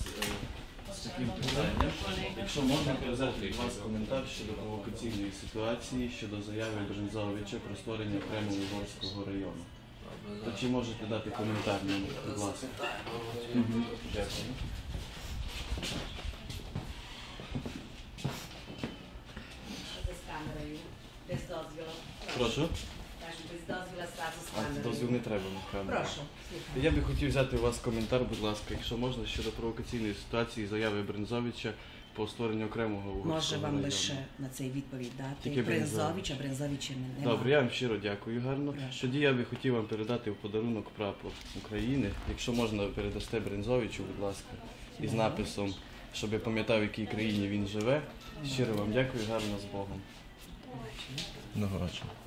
з таким питанням. Якщо можна передати від вас коментар щодо провокаційної ситуації, щодо заяви Брензовича про створення окремого Угорського району. То чи можете дати коментар нам, будь ласка? Дякую. Прошу? Дозвіл не треба, насправді. Прошу. Я би хотів взяти у вас коментар, будь ласка, якщо можна, щодо провокаційної ситуації, заяви Брензовича по створенню окремого Угорського Може району. вам лише на цей відповідь дати. Тільки Брензович, а Брензовича немає. Добре, я вам щиро дякую, гарно. Прошу. Тоді я би хотів вам передати в подарунок прапор України. Якщо можна, передасте Брензовичу, будь ласка, із написом, щоб я пам'ятав, в якій країні він живе. Щиро вам дякую, гарно, з Богом. Одного вечора.